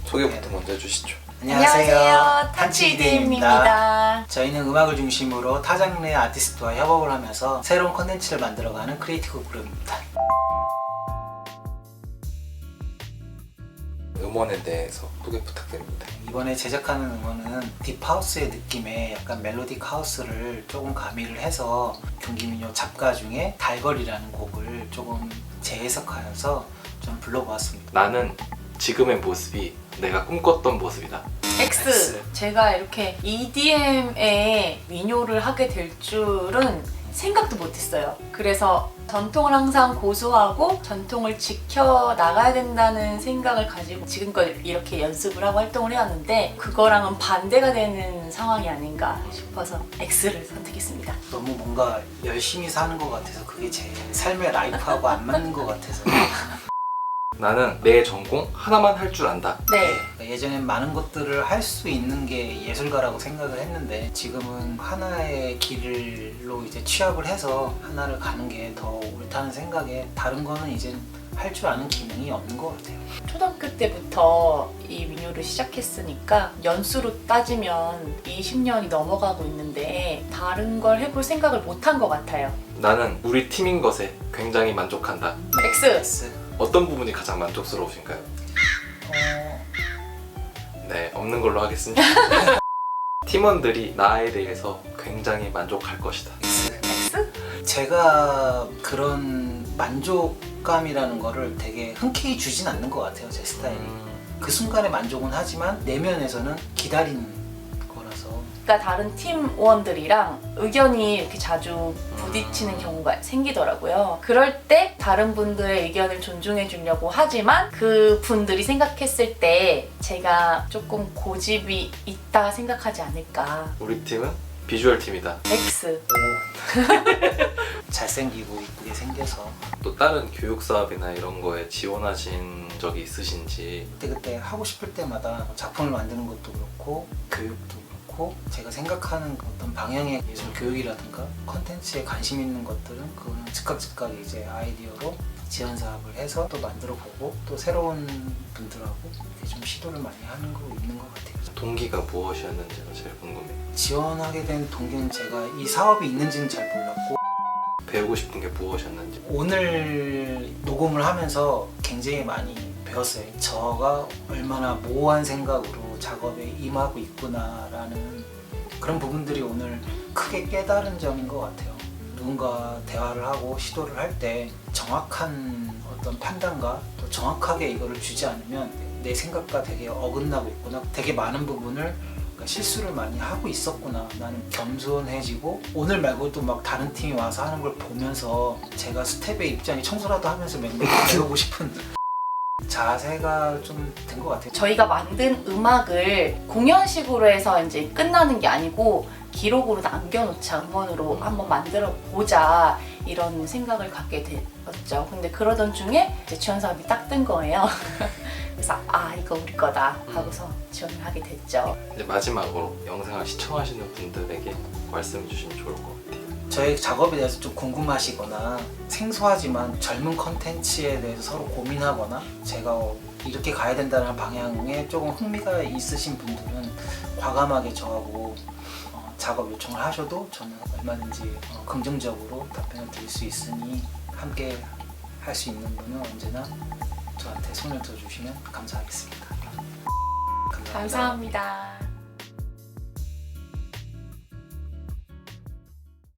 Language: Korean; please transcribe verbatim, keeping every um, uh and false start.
소개부터 먼저 해주시죠. 안녕하세요, 타치이디입니다. 저희는 음악을 중심으로 타 장르의 아티스트와 협업을 하면서 새로운 컨텐츠를 만들어가는 크리에이티브 그룹입니다. 음원에 대해서 소개 부탁드립니다. 이번에 제작하는 음원은 딥하우스의 느낌의 약간 멜로딕 하우스를 조금 가미를 해서 경기민요 작가 중에 달걸이라는 곡을 조금 재해석하여서 좀 불러보았습니다. 나는 지금의 모습이 내가 꿈꿨던 모습이다. X. X. 제가 이렇게 이디엠에 민요를 하게 될 줄은 생각도 못했어요. 그래서 전통을 항상 고수하고 전통을 지켜나가야 된다는 생각을 가지고 지금껏 이렇게 연습을 하고 활동을 해왔는데 그거랑은 반대가 되는 상황이 아닌가 싶어서 X를 선택했습니다. 너무 뭔가 열심히 사는 것 같아서 그게 제 삶의 라이프하고 안 맞는 것 같아서 나는 내 전공 하나만 할 줄 안다. 네. 예전엔 많은 것들을 할 수 있는 게 예술가라고 생각을 했는데 지금은 하나의 길로 이제 취합을 해서 하나를 가는 게 더 옳다는 생각에 다른 거는 이제 할 줄 아는 기능이 없는 것 같아요. 초등학교 때부터 이 민요를 시작했으니까 연수로 따지면 이십 년이 넘어가고 있는데 다른 걸 해볼 생각을 못 한 것 같아요. 나는 우리 팀인 것에 굉장히 만족한다. X. X. 어떤 부분이 가장 만족스러우신가요? 어... 네, 없는 걸로 하겠습니다. 팀원들이 나에 대해서 굉장히 만족할 것이다. X? 제가 그런 만족감이라는 거를 되게 흔쾌히 주진 않는 것 같아요. 제 스타일이. 음, 그 순간의 만족은 하지만 내면에서는 기다리는 거라서. 그러니까 다른 팀원들이랑 의견이 이렇게 자주 부딪히는 경우가 생기더라고요. 그럴 때 다른 분들의 의견을 존중해 주려고 하지만 그 분들이 생각했을 때 제가 조금 고집이 있다 생각하지 않을까. 우리 팀은 비주얼 팀이다. X. 잘생기고 이쁘게 생겨서 또 다른 교육 사업이나 이런 거에 지원하신 적이 있으신지. 그때그때 하고 싶을 때마다 작품을 만드는 것도 그렇고 교육도 그렇고 제가 생각하는 어떤 방향의 예술 교육이라든가 컨텐츠에 관심 있는 것들은 그거는 즉각 즉각 이제 아이디어로 지원 사업을 해서 또 만들어 보고 또 새로운 분들하고 이렇게 좀 시도를 많이 하는 거 있는 것 같아요. 동기가 무엇이었는지가 제일 궁금해요. 지원하게 된 동기는 제가 이 사업이 있는지는 잘 몰랐고 배우고 싶은 게 무엇이었는지. 오늘 녹음을 하면서 굉장히 많이 배웠어요. 저가 얼마나 모호한 생각으로 작업에 임하고 있구나라는 그런 부분들이 오늘 크게 깨달은 점인 것 같아요. 누군가 대화를 하고 시도를 할 때 정확한 어떤 판단과 또 정확하게 이거를 주지 않으면 내 생각과 되게 어긋나고 있구나. 되게 많은 부분을 그러니까 실수를 많이 하고 있었구나. 나는 겸손해지고 오늘 말고도 막 다른 팀이 와서 하는 걸 보면서 제가 스텝의 입장에 청소라도 하면서 맹맹히 배우고 싶은 자세가 좀 된 것 같아요. 저희가 만든 음악을 공연식으로 해서 이제 끝나는 게 아니고 기록으로 남겨놓자, 음원으로 한번 만들어 보자 이런 생각을 갖게 되었죠. 근데 그러던 중에 이제 지원 사업이 딱 뜬 거예요. 그래서 아 이거 우리 거다 하고서 지원을 하게 됐죠. 이제 마지막으로 영상을 시청하시는 분들에게 말씀해 주시면 좋을 것 같아요. 저의 작업에 대해서 좀 궁금하시거나 생소하지만 젊은 컨텐츠에 대해서 서로 고민하거나 제가 이렇게 가야 된다는 방향에 조금 흥미가 있으신 분들은 과감하게 저하고 어, 작업 요청을 하셔도 저는 얼마든지 어, 긍정적으로 답변을 드릴 수 있으니 함께 할 수 있는 분은 언제나 저한테 손을 들어주시면 감사하겠습니다. 감사합니다. 감사합니다.